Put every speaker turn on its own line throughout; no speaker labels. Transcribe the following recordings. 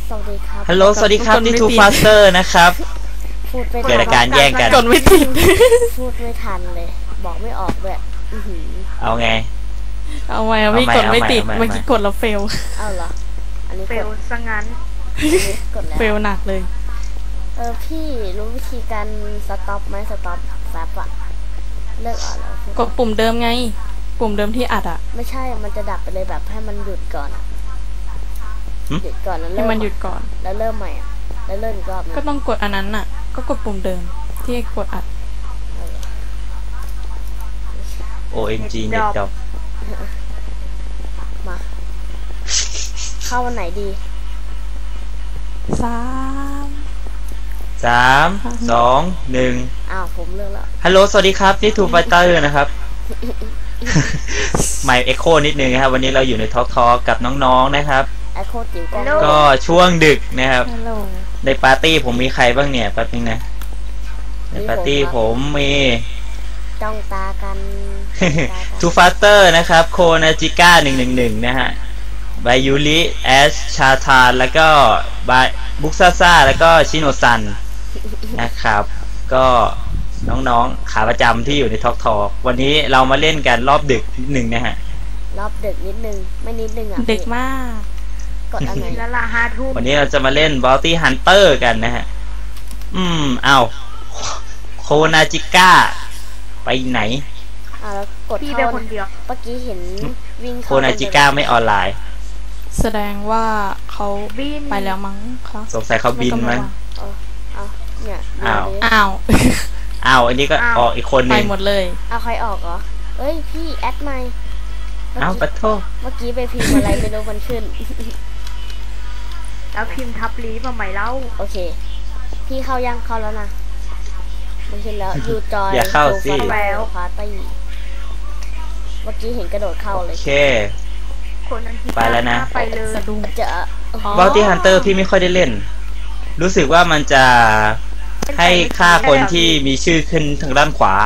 สวัสดีครับ
ฮัลโหลสวัสดีครับนี่ทูฟาสเตอร์นะครับ
พูดไม่ทัน
เกิดอาการแย่งกัน
กดไม่ติด
พูดไม่ทันเลยบอกไม่ออกด้วย
เอาไง
เอาไว้พี่กดไม่ติดเมื่อกี้กดแล้วเฟล
เอาเหรออันนี้
เฟลซะงั้น
กดแล้ว
เฟลหนักเลย
พี่รู้วิธีการสต็อปไหมสต็อปแฟบอะเลิกอ่านแล้ว
กดปุ่มเดิมไงปุ่มเดิมที่อัดอะ
ไม่ใช่มันจะดับไปเลยแบบให้มันหยุดก่อนอะหยุดก่อนแล้วเริ่
ให้
ม
มันหยุดก่อน
แล้วเริ่มใหม่อะแล้วเริ่มอีกรอบนึง
ก็ต้องกดอันนั้นน่ะก็กดปุ่มเดิมที่กดอัด
OMG เน็ตดรอป
มาเข้าวันไหนดี
3
3 2 1
อ้าวผมเลือกแล้ว
ฮัลโหลสวัสดีครับนี่ทูฟาสเตอร์นะครับไมค์เอ็กโคนิดนึงนะครับวันนี้เราอยู่ในทอล์กกับน้องๆนะครับ
ไอโคจิ๋ว
ก็ช่วงดึกนะครับ
ฮัลโหล
ในปาร์ตี้ผมมีใครบ้างเนี่ยแป๊บนึงนะในปาร์ตี้ผมมี
จ้องตากัน
ทูฟาสเตอร์นะครับโคนาจิก้า111นะฮะบายูริแอชชาทานแล้วก็บาบุกซ่าซ่าแล้วก็ชิโนซันนะครับก็น้องๆขาประจำที่อยู่ในทอล์กวันนี้เรามาเล่นกันรอบดึกนิดนึงนะฮะ
รอบดึกนิดนึงไม่นิดนึงอ่ะ
ดึกมาก
กดอะไร
แล้วละ5 ทุ่ม
วันนี้เราจะมาเล่น Bounty Hunter กันนะฮะเอาโคนาจิก้าไปไหน
แล้วกด
พี่เป็นคนเดียว
เมื่อกี้เห็นวิ่ง
โคนาจิก้าไม่ออนไลน์
แสดงว่าเขาไปแล้วมั้งคะ
สงสัยเขาบินมั้ง
เนี่ย
อ้าวอันนี้ก็ออกอีกคนนึง
ไปหมดเลย
เอาใครออกเหรอเอ้ยพี่แอดใหม่
ปะโท
เมื่อกี้ไปพิมพ์อะไรไม่รู้มันขึ้น
แล้วพิมพ์ทับลีมาใหม่เล่า
โอเคพี่เข้ายังเข้าแล้วนะมันขึ้นแล้วยูจอย
อย่าเข้าสิ
แล้วพาร์ตี้เมื่อกี้เห็นกระโดดเข้าเลย
โอเค
ไปแล้วนะไปเลย
สะดุ้งจะ
Bounty Hunter พี่ไม่ค่อยได้เล่นรู้สึกว่ามันจะให้ฆ่าคนที่มีชื่อขึ้นทางด้านขวา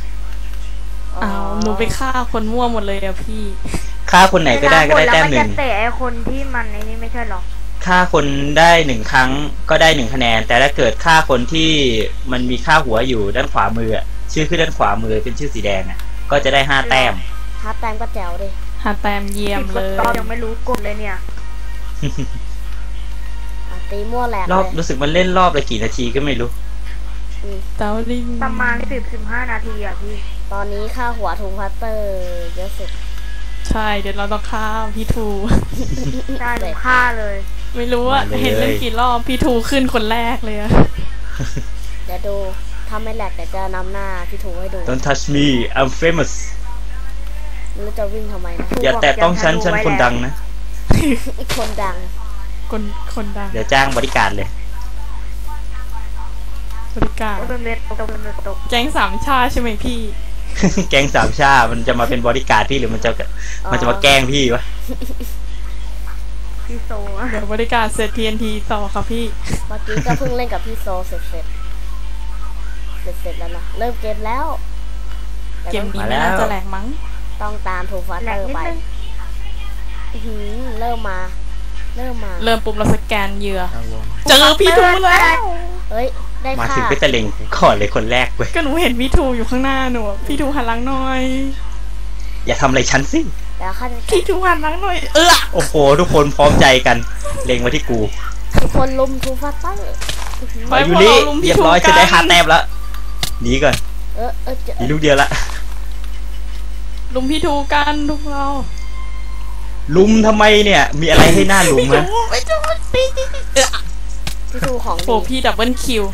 หนูไปฆ่าคนมั่วหมดเลยอะพี่
ฆ่าคนไหนก็ได้แต้ม 1
แต่ไอคนที่มันไอ้นี่ไม่ใช่หรอ
ฆ่าคนได้1 ครั้งก็ได้1 คะแนนแต่ถ้าเกิดฆ่าคนที่มันมีค่าหัวอยู่ด้านขวามือชื่อขึ้นด้านขวามือเป็นชื่อสีแดงก็จะได้5 แต้ม
5 แต้มก็แจ๋วดิ
5 แต้มเยี่ยมเลย
ตอนยังไม่รู้กดเลยเนี่ย
ตีมั่วแหลก
รอบรู้สึกมันเล่นรอบละกี่นาทีก็ไม่รู้
ประมาณ10-15 นาทีอ่ะพี่
ตอนนี้ค่าหัวทูพัตเตอร์เยอะสุด
ใช่เดี๋ยวเราต้องฆ่าพี่ทู
ใช่ฆ่าเลย
ไม่รู้ว่าเห็นเล่นกี่รอบพี่ทูขึ้นคนแรกเลยอะ
เดี๋ยวดูถ้าไม่แหลกแต่จะนำหน้าพี่ทูให้ดู
Don't touch me I'm famous
แล้วจะวิ่งทำไมนะ
อย่าแตะต้องฉันคนดังนะ
คนดัง
คนดัง
เดี๋ยวจ้างบริการเลย
บริการแก๊ง3 ชาใช่ไหมพี่
แก๊ง3 ชามันจะมาเป็นบริการพี่หรือมันจะมาแกล้งพี่วะ
พี่โซ
เดี๋ยวบริการเสร็จ TNT ต่อครับพี่
เมื่อกี้ก็เพิ่งเล่นกับพี่โซเสร็จแล้วนะเริ่มเกมแล้ว
เกมนี้น่าจะแหลกมั้ง
ต้องตามทูฟัสเตอร์ไปเริ่ม
ปุ๊บเราสแกนเหยื่อเจอพี่ทูแล้ว
เฮ้ยได้ค่ะ
มาถึงก็จะเล็งก่อนเลยคนแรกเว้ย
ก็หนูเห็นพี่ทูอยู่ข้างหน้าหนูพี่ทูหันหลังหน่อย
อย่าทำอะไรฉันสิ
พี่ทูหันหลังหน่อย
โอ้โหทุกคนพร้อมใจกันเล็งมาที่กู
ทุกคนลุมทูฟัสเตอร์
ไปยูริเรียบร้อยจะได้5 แต้มแล้วหนีก่อนมีลูกเดียวละ
ลุมพี่ทูกันทุกเรา
ลุมทำไมเนี่ยมีอะไรให้หน้าลุมมั้ย
พี่ทูของ
โอ้พี่ดับเบิลคิว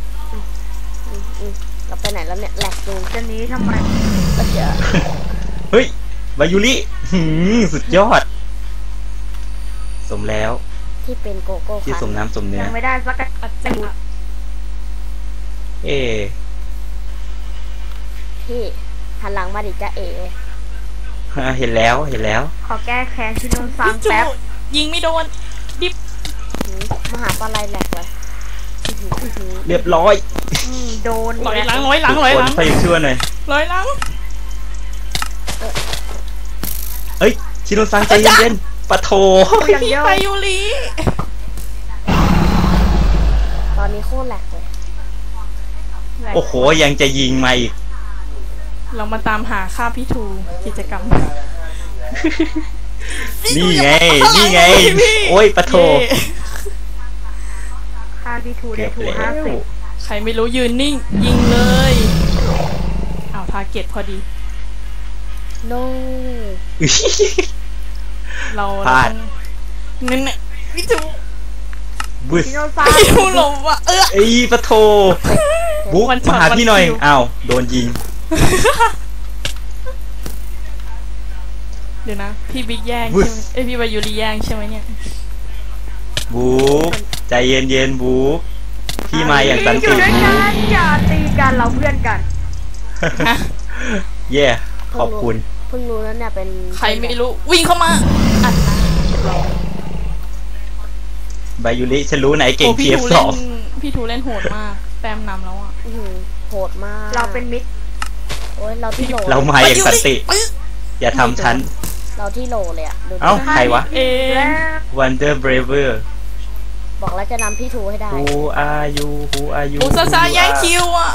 เราไปไหนแล้วเนี่ยแหลกดู
จะนี้ทำไม
เฮ้ยบายูริสุดยอดสมแล้ว
ที่เป็นโกโก้
ที่สมน้ำสมเนื้อ
ไม่ได้สักจัง
พี่หันหลังมาดิจ้า
เห็นแล้ว
ขอแก้แค้นชิโนซังแป๊บ
ยิงไม่โดนดิบ
มหาปลาไหลแหลกเลย
เรียบร้อย
โดน
ร้อยหลัง
ไปอีกชั่วหน่อย
ร้อยหลัง
เฮ้ยชิโนซังใจเย็นๆปะโถ
พี่ไปยูริ
ตรแหลกเลย
โอ้โหยังจะยิงมาอีก
เรามาตามหาค่าพี่ทูกิจกรรม
นี่ไงนี่ไงโอ้ยปะโถ
ค่าพี่ทูได้
เกือบ
ถู
แล้ว
50
ใครไม่รู้ยืนนิ่ง ยิงเลยเอาทาร์เก็ตพอดี
no
เรา
พลาด
นั่นน่ะพี่ทู
บึ้ส
ชิโนซัน
พี่ทูหลบว่ะ
ไอ้ปะโถบุ๊ก
วันช็อต
มาหาพี่หน่อย
วันคิว
อ้าวโดนยิง
เดี๋ยวนะ พี่บิ๊กแย่งใช่ไหมเอ้ยพี่วายุรีแย่งใช่ไหมเนี่ย
บุ๊กใจเย็นๆบุ๊กพี่มาอย่างสัน
อ
ติ
ยู่ด้วย
บุ๊
กั
ก
นอย่าตีกันเราเพื่อนกัน
เย่ขอบคุณ
เพิ่งรู้แล้วเนี่ยเป็น
ใครไม่รู้วิ่งเข้ามาอัดหน้าเรา
บายุริฉันรู้ไหนเก่ง
โอ้พี่ทู
TF2
เล่นพี่ทูเล่นโหดมากแต้มนำแล้วอ่ะ
อื้อหือโหดมาก
เราเป็นมิตร
โอ้ยเราที่โหล
เรามาอย่างสันติ อย่าทำฉัน
เราที่โหลเลยอะดูดิ
เอ้า ใครวะ
เอง
แล้ว
Wonder Braver
บอกแล้วจะนำพี่ทูให้ได้
Who are you Who are you
อุซาซาแย่งคิวอ่ะ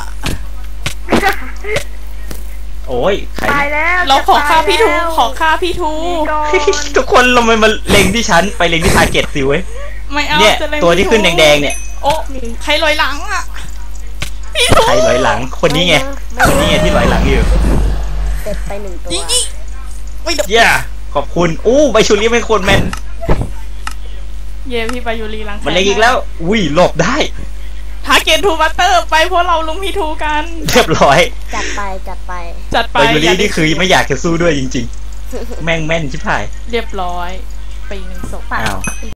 โอ้ยใคร
ตายแล้ว
เราขอค่าพี่ทู
จะตยแล้ว
ขอค่าพี่ทู
หนีก่อน
ทุกคนลงมาเล็งที่ฉันไปเล็งที่ทาร์เก็ตสิเว้ย
ไม่เอา
เนี่ย
จะเล่น
ตัวที่
พี่
ขึ้นแดงๆเนี่ย
โอ้ใครลอยหลังอ่ะพี่ทู
ใครลอยหลังคนนี้ไง
ไม่
คนนี้ไงที่ลอยหลังอยู่
เสร็จไป1 ตัว
ยิงยิงไม่เด
เย่ขอบคุณอู้ใบชูรี่เป็นคนแมน
เย่พี่ไปยูรีหลัง
มันเล็งอีกแล้วอุ้ยหลบได้
ทาร์เก็ตทูบัตเตอร์ไปเพราะเราลุมพี่ทูกัน
เรียบร้อย
จัดไปจัดไป
จัดไป
ใบชู
อ
รี่
ย่า
นี่คือไม่อยากจะสู้ด้วยจริงๆ แม่งแม่นชิบหาย
เรียบร้อยไปอีก1 ศพ
อ้าว